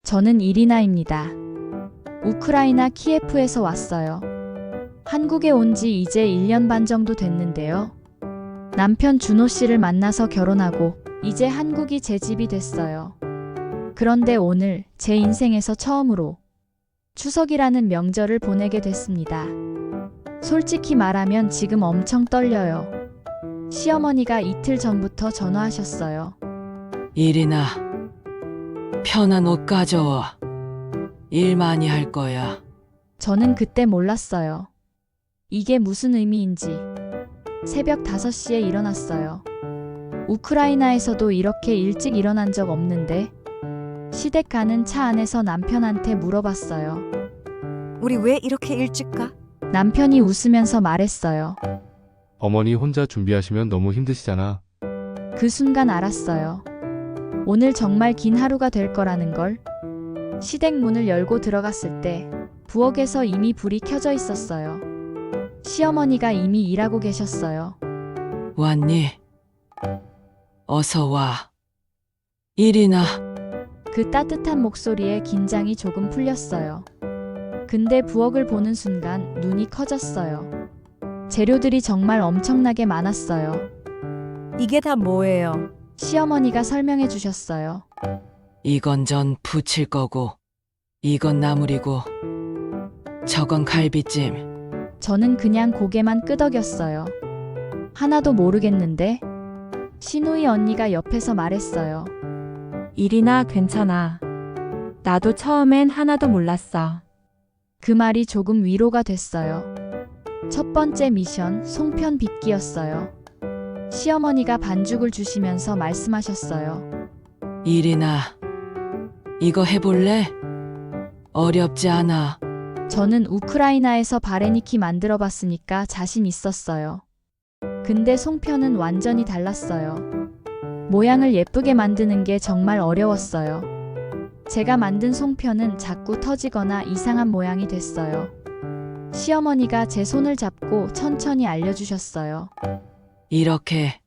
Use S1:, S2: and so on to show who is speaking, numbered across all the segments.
S1: 저는 이리나입니다. 우크라이나 키예프에서 왔어요. 한국에 온 지 이제 1년 반 정도 됐는데요. 남편 준호 씨를 만나서 결혼하고 이제 한국이 제 집이 됐어요. 그런데 오늘 제 인생에서 처음으로 추석이라는 명절을 보내게 됐습니다. 솔직히 말하면 지금 엄청 떨려요. 시어머니가 이틀 전부터 전화하셨어요.
S2: 이리나, 편한 옷 가져와. 일 많이 할 거야.
S1: 저는 그때 몰랐어요. 이게 무슨 의미인지. 새벽 5시에 일어났어요. 우크라이나에서도 이렇게 일찍 일어난 적 없는데 시댁 가는 차 안에서 남편한테 물어봤어요.
S3: 우리 왜 이렇게 일찍 가?
S1: 남편이 웃으면서 말했어요.
S4: 어머니 혼자 준비하시면 너무 힘드시잖아.
S1: 그 순간 알았어요. 오늘 정말 긴 하루가 될 거라는 걸. 시댁 문을 열고 들어갔을 때 부엌에서 이미 불이 켜져 있었어요. 시어머니가 이미 일하고 계셨어요.
S2: 왔니? 어서 와. 이리나,
S1: 그 따뜻한 목소리에 긴장이 조금 풀렸어요. 근데 부엌을 보는 순간 눈이 커졌어요. 재료들이 정말 엄청나게 많았어요.
S3: 이게 다 뭐예요?
S1: 시어머니가 설명해 주셨어요.
S2: 이건 전 부칠 거고, 이건 나물이고, 저건 갈비찜.
S1: 저는 그냥 고개만 끄덕였어요. 하나도 모르겠는데? 시누이 언니가 옆에서 말했어요.
S5: 이리나 괜찮아. 나도 처음엔 하나도 몰랐어.
S1: 그 말이 조금 위로가 됐어요. 첫 번째 미션 송편 빚기였어요. 시어머니가 반죽을 주시면서 말씀하셨어요.
S2: 이리나, 이거 해볼래? 어렵지 않아.
S1: 저는 우크라이나에서 바레니키 만들어 봤으니까 자신 있었어요. 근데 송편은 완전히 달랐어요. 모양을 예쁘게 만드는 게 정말 어려웠어요. 제가 만든 송편은 자꾸 터지거나 이상한 모양이 됐어요. 시어머니가 제 손을 잡고 천천히 알려주셨어요.
S2: 이렇게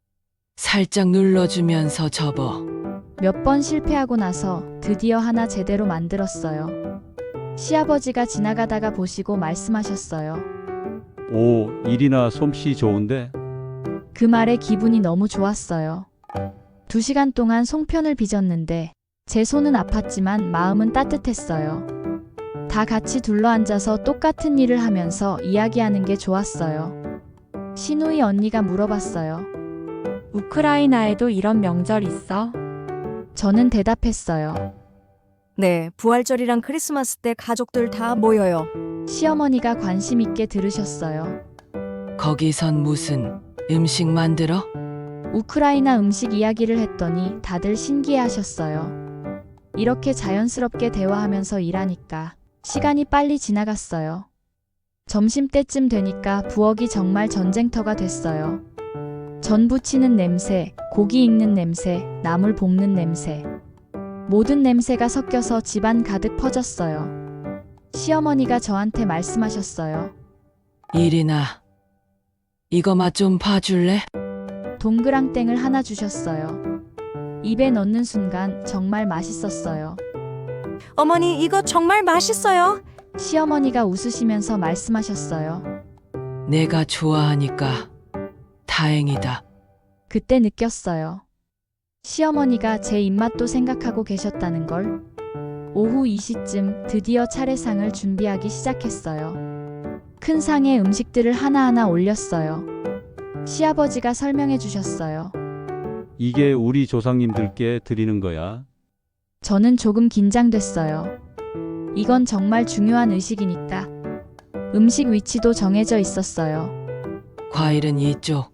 S2: 살짝 눌러주면서 접어.
S1: 몇 번 실패하고 나서 드디어 하나 제대로 만들었어요. 시아버지가 지나가다가 보시고 말씀하셨어요.
S6: 오, 이리나 솜씨 좋은데?
S1: 그 말에 기분이 너무 좋았어요. 2시간 동안 송편을 빚었는데 제 손은 아팠지만 마음은 따뜻했어요. 다 같이 둘러앉아서 똑같은 일을 하면서 이야기하는 게 좋았어요. 시누이 언니가 물어봤어요.
S5: 우크라이나에도 이런 명절 있어?
S1: 저는 대답했어요.
S3: 네, 부활절이랑 크리스마스 때 가족들 다 모여요.
S1: 시어머니가 관심 있게 들으셨어요.
S2: 거기선 무슨 음식 만들어?
S1: 우크라이나 음식 이야기를 했더니 다들 신기해하셨어요. 이렇게 자연스럽게 대화하면서 일하니까 시간이 빨리 지나갔어요. 점심때쯤 되니까 부엌이 정말 전쟁터가 됐어요. 전 부치는 냄새, 고기 익는 냄새, 나물 볶는 냄새. 모든 냄새가 섞여서 집안 가득 퍼졌어요. 시어머니가 저한테 말씀하셨어요.
S2: 이리나, 이거 맛 좀 봐줄래?
S1: 동그랑땡을 하나 주셨어요. 입에 넣는 순간 정말 맛있었어요.
S3: 어머니, 이거 정말 맛있어요.
S1: 시어머니가 웃으시면서 말씀하셨어요.
S2: 내가 좋아하니까 다행이다.
S1: 그때 느꼈어요. 시어머니가 제 입맛도 생각하고 계셨다는 걸. 오후 2시쯤 드디어 차례상을 준비하기 시작했어요. 큰 상에 음식들을 하나하나 올렸어요. 시아버지가 설명해 주셨어요.
S6: 이게 우리 조상님들께 드리는 거야.
S1: 저는 조금 긴장됐어요. 이건 정말 중요한 의식이니까. 음식 위치도 정해져 있었어요.
S2: 과일은 이쪽,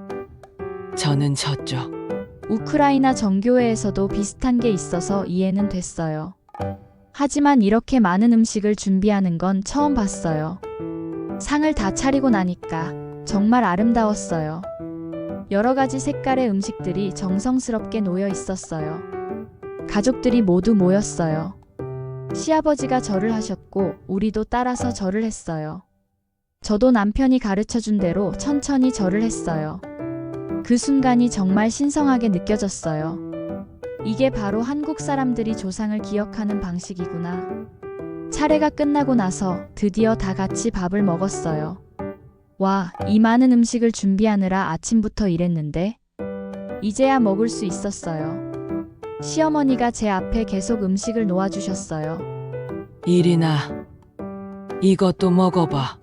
S2: 저는 저쪽.
S1: 우크라이나 정교회에서도 비슷한 게 있어서 이해는 됐어요. 하지만 이렇게 많은 음식을 준비하는 건 처음 봤어요. 상을 다 차리고 나니까 정말 아름다웠어요. 여러 가지 색깔의 음식들이 정성스럽게 놓여 있었어요. 가족들이 모두 모였어요. 시아버지가 절을 하셨고 우리도 따라서 절을 했어요. 저도 남편이 가르쳐준 대로 천천히 절을 했어요. 그 순간이 정말 신성하게 느껴졌어요. 이게 바로 한국 사람들이 조상을 기억하는 방식이구나. 차례가 끝나고 나서 드디어 다 같이 밥을 먹었어요. 와, 이 많은 음식을 준비하느라 아침부터 일했는데 이제야 먹을 수 있었어요. 시어머니가 제 앞에 계속 음식을 놓아주셨어요.
S2: 이리나, 이것도 먹어봐.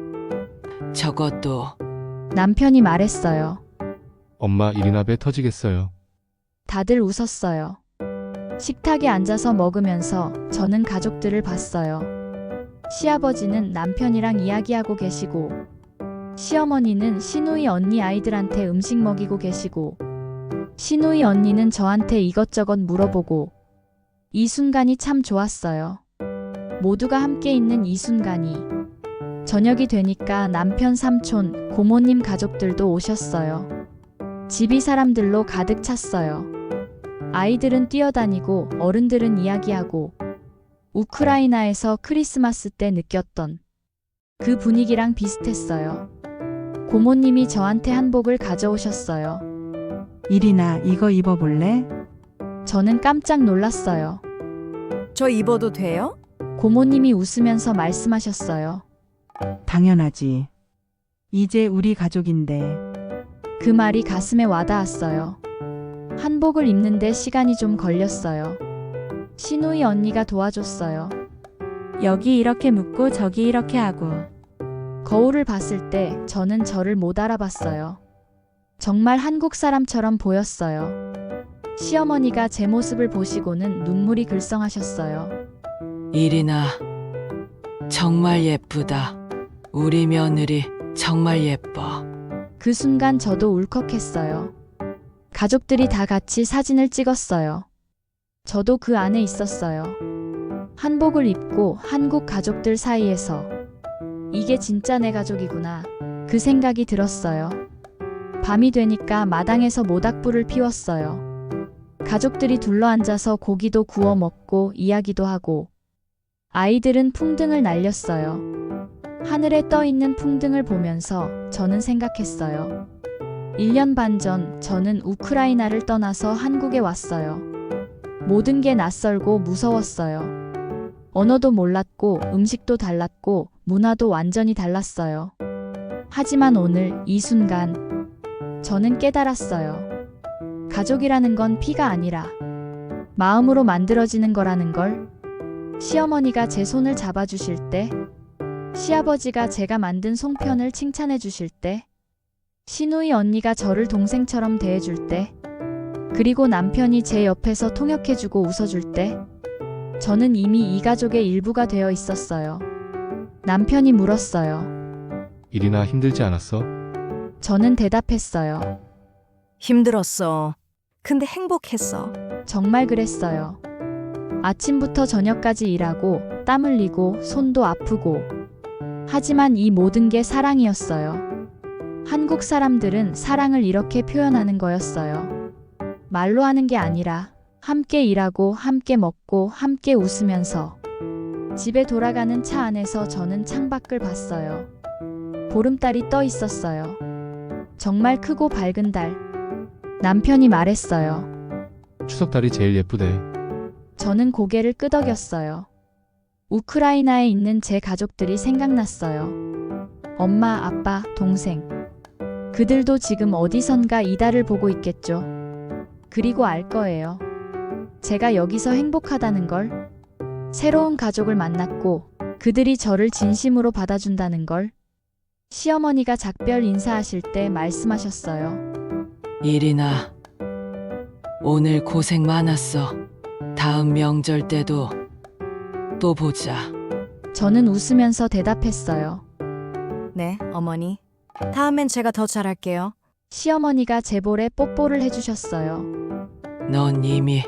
S2: 저것도.
S1: 남편이 말했어요.
S4: 엄마 이리나 배 터지겠어요.
S1: 다들 웃었어요. 식탁에 앉아서 먹으면서 저는 가족들을 봤어요. 시아버지는 남편이랑 이야기하고 계시고, 시어머니는 시누이 언니 아이들한테 음식 먹이고 계시고, 시누이 언니는 저한테 이것저것 물어보고, 이 순간이 참 좋았어요. 모두가 함께 있는 이 순간이. 저녁이 되니까 남편 삼촌, 고모님 가족들도 오셨어요. 집이 사람들로 가득 찼어요. 아이들은 뛰어다니고 어른들은 이야기하고 우크라이나에서 크리스마스 때 느꼈던 그 분위기랑 비슷했어요. 고모님이 저한테 한복을 가져오셨어요.
S7: 이리나 이거 입어볼래?
S1: 저는 깜짝 놀랐어요.
S3: 저 입어도 돼요?
S1: 고모님이 웃으면서 말씀하셨어요.
S7: 당연하지. 이제 우리 가족인데.
S1: 그 말이 가슴에 와닿았어요. 한복을 입는데 시간이 좀 걸렸어요. 시누이 언니가 도와줬어요.
S5: 여기 이렇게 묶고 저기 이렇게 하고.
S1: 거울을 봤을 때 저는 저를 못 알아봤어요. 정말 한국 사람처럼 보였어요. 시어머니가 제 모습을 보시고는 눈물이 글썽하셨어요.
S2: 이리나, 정말 예쁘다. 우리 며느리 정말 예뻐.
S1: 그 순간 저도 울컥했어요. 가족들이 다 같이 사진을 찍었어요. 저도 그 안에 있었어요. 한복을 입고 한국 가족들 사이에서 이게 진짜 내 가족이구나. 그 생각이 들었어요. 밤이 되니까 마당에서 모닥불을 피웠어요. 가족들이 둘러앉아서 고기도 구워 먹고 이야기도 하고 아이들은 풍등을 날렸어요. 하늘에 떠 있는 풍등을 보면서 저는 생각했어요. 1년 반 전 저는 우크라이나를 떠나서 한국에 왔어요. 모든 게 낯설고 무서웠어요. 언어도 몰랐고 음식도 달랐고 문화도 완전히 달랐어요. 하지만 오늘 이 순간 저는 깨달았어요. 가족이라는 건 피가 아니라 마음으로 만들어지는 거라는 걸. 시어머니가 제 손을 잡아주실 때, 시아버지가 제가 만든 송편을 칭찬해 주실 때, 시누이 언니가 저를 동생처럼 대해줄 때, 그리고 남편이 제 옆에서 통역해주고 웃어줄 때, 저는 이미 이 가족의 일부가 되어 있었어요. 남편이 물었어요.
S4: 이리나 힘들지 않았어?
S1: 저는 대답했어요.
S3: 힘들었어. 근데 행복했어.
S1: 정말 그랬어요. 아침부터 저녁까지 일하고 땀 흘리고 손도 아프고. 하지만 이 모든 게 사랑이었어요. 한국 사람들은 사랑을 이렇게 표현하는 거였어요. 말로 하는 게 아니라 함께 일하고 함께 먹고 함께 웃으면서. 집에 돌아가는 차 안에서 저는 창밖을 봤어요. 보름달이 떠 있었어요. 정말 크고 밝은 달. 남편이 말했어요.
S4: 추석달이 제일 예쁘대.
S1: 저는 고개를 끄덕였어요. 우크라이나에 있는 제 가족들이 생각났어요. 엄마, 아빠, 동생. 그들도 지금 어디선가 이 달을 보고 있겠죠. 그리고 알 거예요. 제가 여기서 행복하다는 걸. 새로운 가족을 만났고 그들이 저를 진심으로 받아준다는 걸. 시어머니가 작별 인사하실 때 말씀하셨어요.
S2: 이리나, 오늘 고생 많았어. 다음 명절 때도 또 보자.
S1: 저는 웃으면서 대답했어요.
S3: 네, 어머니. 다음엔 제가 더 잘할게요.
S1: 시어머니가 제 볼에 뽀뽀를 해주셨어요.
S2: 넌 이미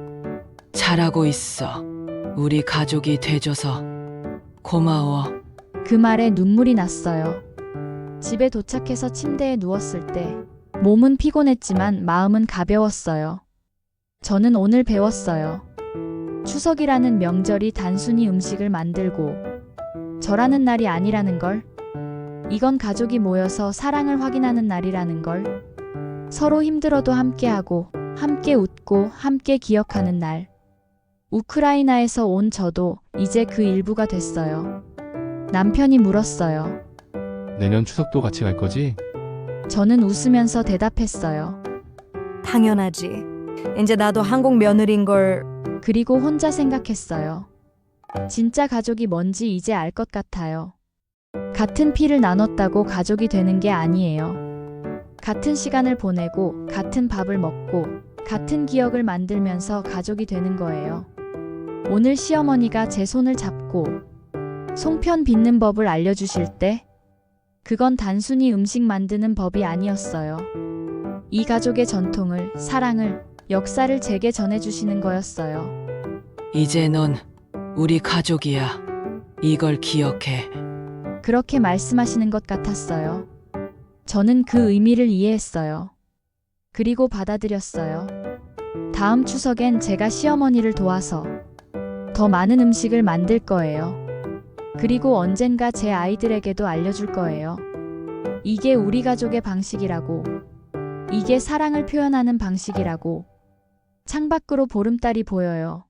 S2: 잘하고 있어. 우리 가족이 돼줘서 고마워.
S1: 그 말에 눈물이 났어요. 집에 도착해서 침대에 누웠을 때 몸은 피곤했지만 마음은 가벼웠어요. 저는 오늘 배웠어요. 추석이라는 명절이 단순히 음식을 만들고 절하는 날이 아니라는 걸. 이건 가족이 모여서 사랑을 확인하는 날이라는 걸. 서로 힘들어도 함께하고 함께 웃고 함께 기억하는 날. 우크라이나에서 온 저도 이제 그 일부가 됐어요. 남편이 물었어요.
S4: 내년 추석도 같이 갈 거지?
S1: 저는 웃으면서 대답했어요.
S3: 당연하지. 이제 나도 한국 며느리인 걸.
S1: 그리고 혼자 생각했어요. 진짜 가족이 뭔지 이제 알 것 같아요. 같은 피를 나눴다고 가족이 되는 게 아니에요. 같은 시간을 보내고, 같은 밥을 먹고, 같은 기억을 만들면서 가족이 되는 거예요. 오늘 시어머니가 제 손을 잡고 송편 빚는 법을 알려주실 때, 그건 단순히 음식 만드는 법이 아니었어요. 이 가족의 전통을, 사랑을, 역사를 제게 전해주시는 거였어요.
S2: 이제 넌 우리 가족이야. 이걸 기억해.
S1: 그렇게 말씀하시는 것 같았어요. 저는 그 의미를 이해했어요. 그리고 받아들였어요. 다음 추석엔 제가 시어머니를 도와서 더 많은 음식을 만들 거예요. 그리고 언젠가 제 아이들에게도 알려줄 거예요. 이게 우리 가족의 방식이라고. 이게 사랑을 표현하는 방식이라고. 창밖으로 보름달이 보여요.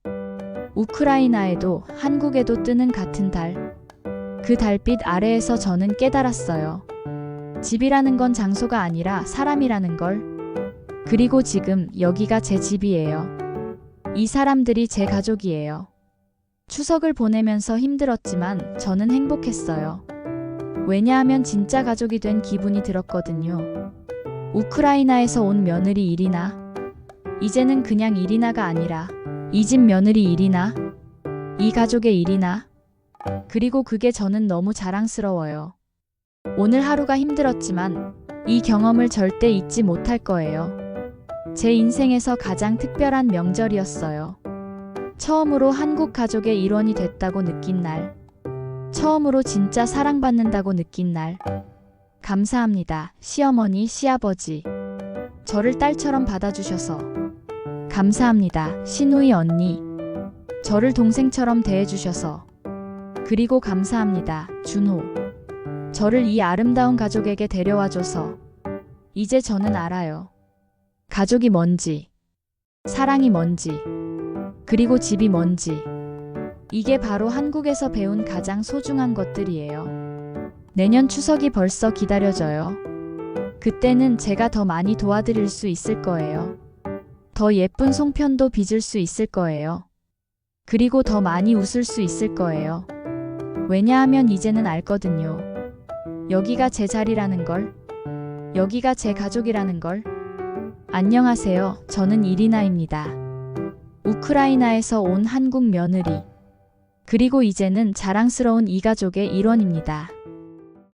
S1: 우크라이나에도 한국에도 뜨는 같은 달. 그 달빛 아래에서 저는 깨달았어요. 집이라는 건 장소가 아니라 사람이라는 걸. 그리고 지금 여기가 제 집이에요. 이 사람들이 제 가족이에요. 추석을 보내면서 힘들었지만 저는 행복했어요. 왜냐하면 진짜 가족이 된 기분이 들었거든요. 우크라이나에서 온 며느리 이리나. 이제는 그냥 이리나가 아니라 이 집 며느리 이리나. 이 가족의 이리나. 그리고 그게 저는 너무 자랑스러워요. 오늘 하루가 힘들었지만 이 경험을 절대 잊지 못할 거예요. 제 인생에서 가장 특별한 명절이었어요. 처음으로 한국 가족의 일원이 됐다고 느낀 날. 처음으로 진짜 사랑받는다고 느낀 날. 감사합니다, 시어머니, 시아버지. 저를 딸처럼 받아주셔서. 감사합니다, 신우이 언니. 저를 동생처럼 대해주셔서. 그리고 감사합니다, 준호. 저를 이 아름다운 가족에게 데려와줘서. 이제 저는 알아요. 가족이 뭔지, 사랑이 뭔지, 그리고 집이 뭔지. 이게 바로 한국에서 배운 가장 소중한 것들이에요. 내년 추석이 벌써 기다려져요. 그때는 제가 더 많이 도와드릴 수 있을 거예요. 더 예쁜 송편도 빚을 수 있을 거예요. 그리고 더 많이 웃을 수 있을 거예요. 왜냐하면 이제는 알거든요. 여기가 제 자리라는 걸. 여기가 제 가족이라는 걸. 안녕하세요. 저는 이리나입니다. 우크라이나에서 온 한국 며느리. 그리고 이제는 자랑스러운 이 가족의 일원입니다.